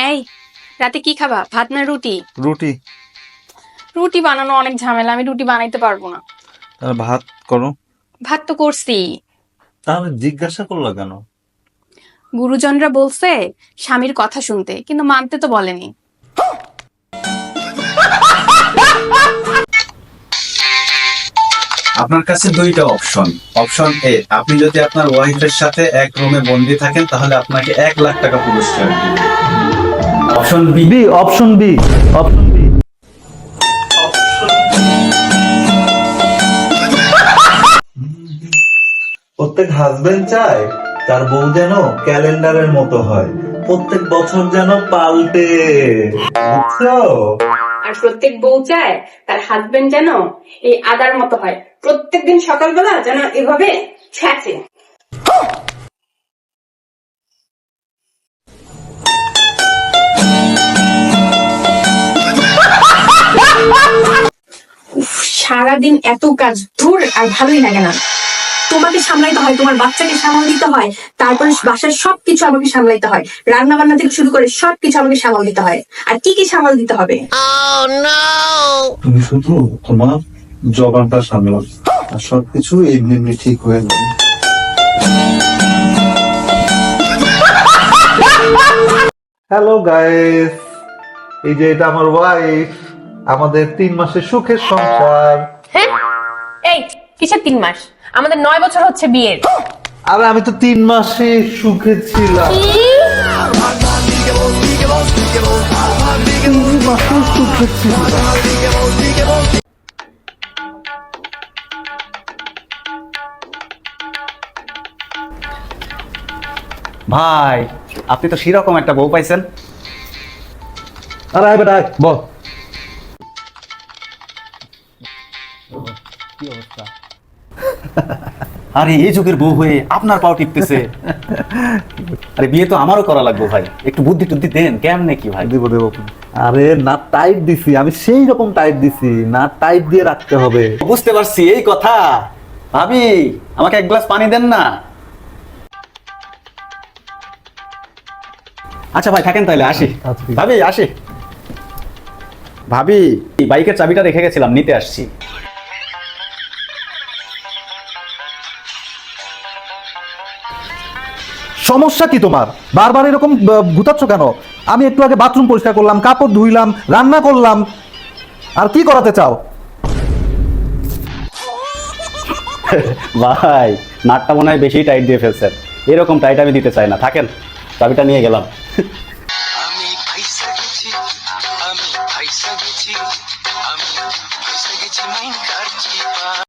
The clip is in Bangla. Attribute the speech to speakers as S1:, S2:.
S1: এই, রাতে কি খাবা? ভাত না রুটি?
S2: রুটি।
S1: রুটি বানানো অনেক ঝামেলা, আমি রুটি বানাইতে পারবো না।
S2: তাহলে ভাত করো।
S1: ভাত তো করছি।
S2: তাহলে জিজ্ঞাসা করলা কেন?
S1: গুরুজনরা বলছে স্বামীর কথা শুনতে, কিন্তু মানতে তো বলেনি।
S3: আপনার কাছে দুইটা অপশন। অপশন এ, আপনি যদি আপনার ওয়াইফের সাথে এক রুমে বন্দি থাকেন তাহলে আপনাকে 1,00,000 টাকা পুরস্কার দিবে। Option B.
S2: Option B. Option B. প্রত্যেক হাজবেন্ড চায় তার বউ যেন ক্যালেন্ডারের মতো হয়, প্রত্যেক বছর যেন পাল্টে, বুঝছো?
S1: আর প্রত্যেক বউ চায় তার হাজবেন্ড যেন এই আদার মতো হয়, প্রত্যেকদিন সকালবেলা যেন এভাবে ছ্যাঁচে। সারাদিন এত কাজ, ধুর, আর ভালোই লাগে না। তোমাকে সামলাইতে হয়, তোমার বাচ্চাকে সামাল দিতে হয়, তারপরে বাসার সবকিছু আমাকে সামলাইতে হয়, রান্না বান্না থেকে শুরু করে সবকিছু আমাকে সামাল দিতে হয়। আর কি কি সামাল দিতে হবে?
S2: তুমি শুধু তোমার জবানটা সামলাও, আর সবকিছু এমনি এমনি ঠিক হয়ে যাবে। হ্যালো গাইস, এই যে এটা আমার ওয়াইফ, আমাদের 3 মাসের সুখের সংসার।
S4: হ্যাঁ, এই কিসের 3 মাস? আমাদের 9 বছর হচ্ছে বিয়ের।
S2: আরে আমি তো 3 মাসে সুখে ছিলাম। 3 মাসে সুখে ছিলাম।
S5: ভাই, আপনি তো সেরকম একটা বউ পাইছেন।
S2: আরে বেটা বল।
S5: কি অবস্থা? আরে এই যুগের বউ হয়ে আপনার পাও টিপতেছে। আরে বিয়ে তো আমারও করা লাগবে ভাই, একটু বুদ্ধি টুদ্ধি দেন, কেমনে কি ভাই?
S2: দেব দেব। আরে না টাইট দিছি, আমি সেই রকম টাইট দিছি, না টাইট দিয়ে রাখতে হবে।
S5: বুঝতে পারছি এই কথা। ভাবি, আমাকে এক গ্লাস পানি দেন না। আচ্ছা ভাই, থাকেন তাহলে, আসি।
S2: আচ্ছা, ঠিক আছে।
S5: ভাবি আসি। ভাবি, এই বাইকের চাবিটা রেখে গেছিলাম, নিতে আসছি।
S6: সমস্যা কি তোমার? বারবার এরকম গুতাচ্ছ কেন? আমি একটু আগে বাথরুম পরিষ্কার করলাম, কাপড় ধুইলাম, রান্না করলাম, আর কি করাতে চাও?
S5: ভাই, নাটটা মনে হয় বেশি টাইট দিয়ে ফেলছেন। এরকম টাইট আমি দিতে চাই না, থাকেন, চাবিটা নিয়ে গেলাম।
S7: আমি ফাইসা গেছি, আমি ফাইসা গেছি, আমি ফাইসা গেছি মাইন কার চিপা।